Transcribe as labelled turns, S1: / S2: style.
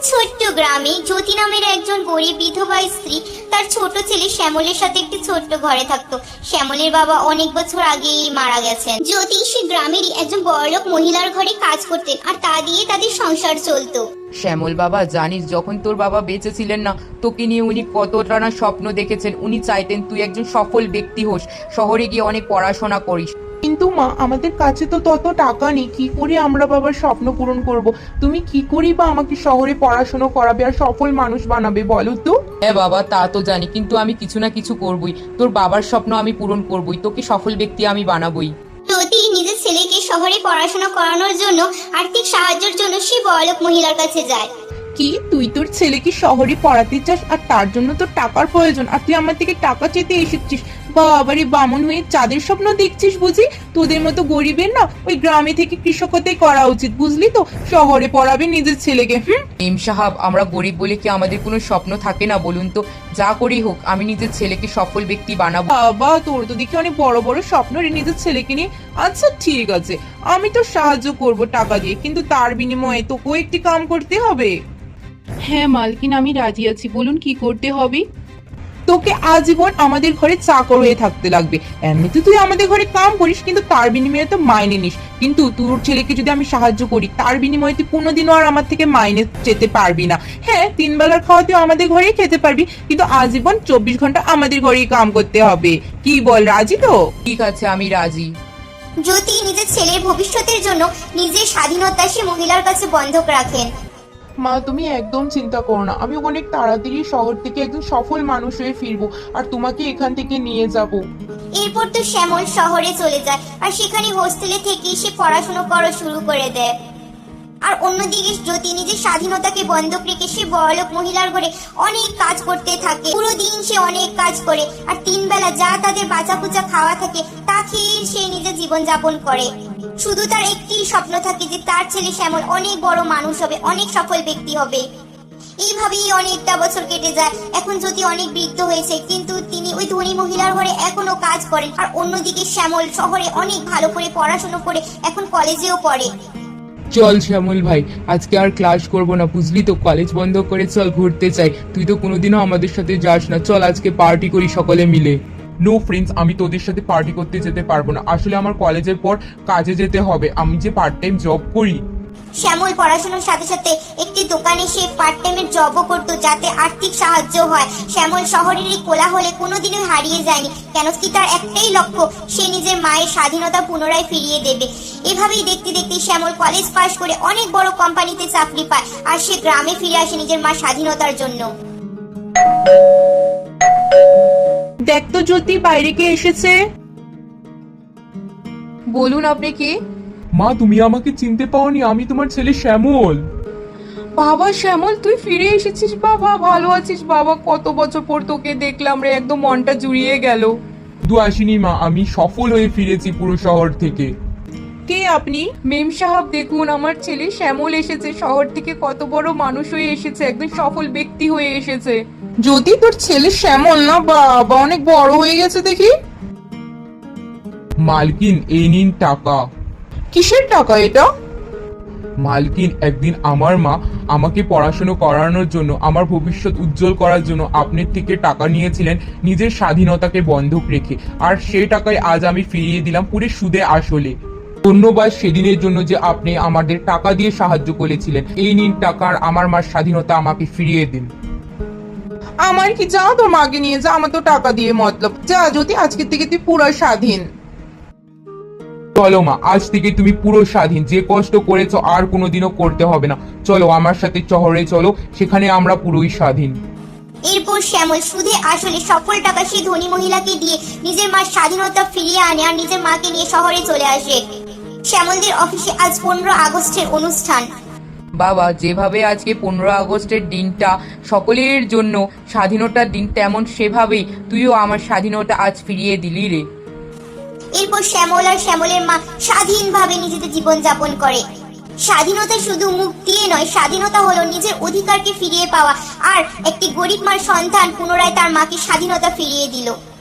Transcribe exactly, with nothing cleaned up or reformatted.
S1: ছোট্ট গ্রামে জ্যোতি নামের একজন গরিব বিধবা স্ত্রী তার ছোট ছেলে শ্যামলের সাথে একটি ছোট্ট ঘরে থাকতো। শ্যামলের বাবা অনেক বছর আগেই মারা গেছেন। জ্যোতি সে গ্রামেরই একজন বড়লোক মহিলার ঘরে কাজ করতেন আর তা দিয়ে তাদের সংসার চলতো।
S2: শ্যামল বাবা, জানিস যখন তোর বাবা বেঁচে ছিলেন না, তোকে নিয়ে উনি কতটা না স্বপ্ন দেখেছেন। উনি চাইতেন তুই একজন সফল ব্যক্তি হোস, শহরে গিয়ে অনেক পড়াশোনা করিস।
S3: কিন্তু মা, আমাদের কাছে তো তত টাকা নেই, কি করে আমরা বাবার স্বপ্ন পূরণ করব? তুমি কি করি বা আমাকে শহরে পড়াশোনা করাবে আর সফল মানুষ বানাবে বলো তো?
S2: হ্যাঁ বাবা, তা তো জানি, কিন্তু আমি কিছু না কিছু করবই। তোর বাবার স্বপ্ন আমি পূরণ করবই, তোকে সফল ব্যক্তি আমি বানাবই।
S1: জ্যোতি নিজের ছেলেকে শহরে পড়াশোনা করানোর জন্য আর্থিক সাহায্যের জন্য সে বড়লোক মহিলার কাছে যায়।
S3: কি, তুই তোর ছেলেকে শহরে পড়াতে চাস আর তার জন্য তোর টাকার প্রয়োজন, আর তুই আমার থেকে টাকা চেতে এসেছিস? বাবারে, বামন হয়ে চাঁদের স্বপ্ন দেখছিস বুঝি? তোদের মতো গরিবের না ওই গ্রামে থেকে কৃষকতাই করা উচিত, বুঝলি তো? শহরে পড়াবে নিজের ছেলেকে। হুম
S2: এম সাহাব, আমরা গরিব বলে কি আমাদের কোনো স্বপ্ন থাকে না বলুন তো? যা করি হোক, আমি নিজের ছেলেকে সফল ব্যক্তি বানাবো।
S3: বাবা, তোর তো দেখি অনেক বড় বড় স্বপ্ন রে নিজের ছেলেকে নিয়ে। আচ্ছা ঠিক আছে, আমি তো সাহায্য করব টাকা দিয়ে, কিন্তু তার বিনিময়ে তোকেও একটি কাম করতে হবে। হ্যাঁ মালকিন, আমি রাজি আছি, বলুন কি করতে হবে? তোকে আজীবন আমাদের ঘরে চাকর হয়ে থাকতে লাগবে। এমনিতে তুই আমাদের ঘরে কাম করিস, কিন্তু তার বিনিময়ে তো মাইনে নিস। কিন্তু তোর ছেলেকে যদি আমি সাহায্য করি, তার বিনিময়ে তুই কোনোদিনও আর আমার থেকে মাইনে যেতে পারবি না। হ্যাঁ, তিন বেলার খাওয়া তুই আমাদের ঘরেই খেতে পারবি, কিন্তু আজীবন চব্বিশ ঘন্টা আমাদের ঘরেই কাম করতে হবে। কি বল, রাজি তো?
S2: ঠিক আছে, আমি রাজি।
S1: জ্যোতি নিজের ছেলের ভবিষ্যতের জন্য নিজের স্বাধীনতা সে মহিলার কাছে বন্ধক রাখেন।
S3: মা, তুমি একদম চিন্তা করো না, আমি অনেক তাড়াতাড়ি শহর থেকে একজন সফল মানুষ হয়ে ফিরবো আর তোমাকে এখান থেকে নিয়ে যাব।
S1: এরপর তো শ্যামল শহরে চলে যায় আর সেখানে হোস্টেলে থেকে সে পড়াশোনা করা শুরু করে দেয়। আর অন্যদিকে জ্যোতি নিজের স্বাধীনতাকে বন্ধক রেখে সে বড়লোক মহিলার ঘরে অনেক কাজ করতে থাকে। পুরো দিন সে অনেক কাজ করে আর তিন বেলা যা তাদের বাঁচা কুচা খাওয়া থাকে তা খেয়ে সে নিজের জীবন যাপন করে। শুধু তার একটি স্বপ্ন থাকে যে তার ছেলে শ্যামল অনেক বড় মানুষ হবে, অনেক সফল ব্যক্তি হবে। এইভাবেই অনেকটা বছর কেটে যায়। এখন জ্যোতি অনেক বৃদ্ধ হয়েছে, কিন্তু তিনি ওই ধনী মহিলার ঘরে এখনো কাজ করেন। আর অন্যদিকে শ্যামল শহরে অনেক ভালো করে পড়াশোনা করে এখন কলেজেও পড়ে।
S4: চল শ্যামল ভাই, আজকে আর ক্লাস করব না, বুঝলি তো? কলেজ বন্ধ করে চল ঘুরতে চাই। তুই তো কোনোদিনও আমাদের সাথে যাস না, চল আজকে পার্টি করি সকলে মিলে।
S3: নো ফ্রেন্ডস, আমি তোদের সাথে পার্টি করতে যেতে পারবো না। আসলে আমার কলেজের পর কাজে যেতে হবে, আমি যে পার্ট টাইম জব করি।
S1: শ্যামল পড়াশোনার সাথে সাথে একটি দোকানে সে পার্ট টাইমের জবও করতো, যাতে আর্থিক সাহায্য হয়। শ্যামল শহরের এই কোলাহলে কোনোদিনও হারিয়ে যায়নি, কেন কি তার একটাই লক্ষ্য, সে নিজের মায়ের স্বাধীনতা পুনরায় ফিরিয়ে দেবে। এভাবেই দেখতে দেখতে শ্যামল কলেজ পাশ করে অনেক বড় কোম্পানিতে চাকরি পায় আর সে গ্রামে ফিরে আসে নিজের মার স্বাধীনতার জন্য।
S3: দেখ তো জ্যোতি, বাইরে কে এসেছে?
S2: বলুন, আপনি কে?
S3: মা, তুমি আমাকে চিনতে পাওনি? আমি তোমার ছেলে শ্যামল।
S2: বাবা শ্যামল, তুই ফিরে এসেছিস বাবা? ভালো আছিস বাবা? কত বছর পর তোকে দেখলাম রে, একদম মনটা জুড়িয়ে গেল।
S3: দু আসিনি মা, আমি সফল হয়ে ফিরেছি পুরো শহর থেকে। কে আপনি?
S2: মেম সাহেব, দেখুন আমার ছেলে শ্যামল এসেছে, শহর থেকে কত বড় মানুষ হয়ে এসেছে, একদম সফল ব্যক্তি হয়ে এসেছে।
S3: যদি তোর ছেলে শ্যামল না, বাবা অনেক বড় হয়ে গেছে দেখি। মালকিন, এই নিন টাকা। কিসের টাকা এটা? মালকিন, একদিন আমার মা আমাকে পড়াশোনা করানোর জন্য, আমার ভবিষ্যৎ উজ্জ্বল করার জন্য আপনার থেকে টাকা নিয়েছিলেন নিজের স্বাধীনতাকে বন্ধক রেখে, আর সেই টাকায় আজ আমি ফিরিয়ে দিলাম পুরো সুদে আসলে। ধন্যবাদ সেদিনের জন্য যে আপনি আমাদের টাকা দিয়ে সাহায্য করেছিলেন। এই নিন টাকা, আর আমার মার স্বাধীনতা আমাকে ফিরিয়ে দিন। আমার কি, যা তোর মাকে নিয়ে যা, আমার তো টাকা দিয়ে মতলব। যা যদি, আজকে থেকে তুই পুরো স্বাধীন। চলো মা, আজ থেকে তুমি পুরো স্বাধীন, যে কষ্ট করেছো আর কোনোদিনও করতে হবে না। চলো আমার সাথে শহরে চলো, সেখানে আমরা পুরোই স্বাধীন।
S1: এরপর শ্যামল সুদে আসলে সফল টাকা সেই ধনী মহিলাকে দিয়ে নিজের মার স্বাধীনতা ফিরিয়ে আনে আর নিজের মাকে নিয়ে শহরে চলে আসে। শ্যামলদের অফিসে আজ পনেরো আগস্টের অনুষ্ঠান।
S2: বাবা, যেভাবে আজকে পনেরো আগস্টের দিনটা সকলের জন্য স্বাধীনতার দিন, তেমন সেভাবেই তুইও আমার স্বাধীনতা আজ ফিরিয়ে দিলি রে।
S1: এরপর শ্যামল আর শ্যামলের মা স্বাধীনভাবে নিজেদের জীবন যাপন করে। স্বাধীনতা শুধু মুখ দিয়ে নয়, স্বাধীনতা হলো নিজের অধিকারকে ফিরিয়ে পাওয়া। আর একটি গরিব মার সন্তান পুনরায় তার মাকে স্বাধীনতা ফিরিয়ে দিল।